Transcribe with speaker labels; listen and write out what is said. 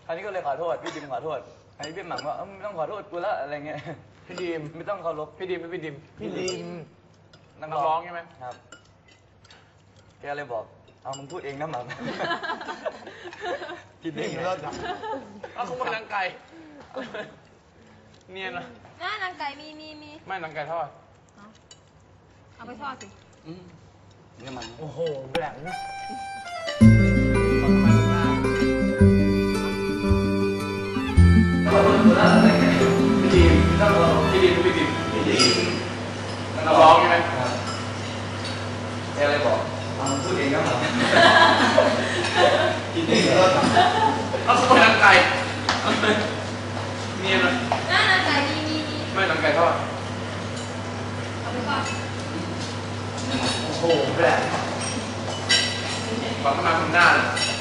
Speaker 1: อันนี้ก็เลยขอโทษพี่ดิมขอโทษอันนี้พี่หม่ำว่าไม่ต้องขอโทษกูละอะไรเงี้ยพี่ดิมไม่ต้องเคารพพี่ดิมนักร้องใช่ไหมครับแกเลยบอกเอามึงพูดเองนะหม่ำพี่ดิมเลิศจังเอาเขามานังไก่เนียนนะ
Speaker 2: น่านางไก่มี
Speaker 1: ไม่นังไก่ทอด
Speaker 2: เอาไปทอดสิ
Speaker 1: เนี่ยมัน
Speaker 3: โอ้โหแหลม
Speaker 1: นักร้องใช่ไหมแกเลยบอกพูดเองก็หมดกินเองก็เอาสมนังไก่เนียนนะ
Speaker 2: นางไก่มี
Speaker 1: ไม่นังไก่ทอด
Speaker 2: เอาไปทอด
Speaker 3: โอ้โหแหลม
Speaker 1: ฟังเข้ามาทำหน้าเลย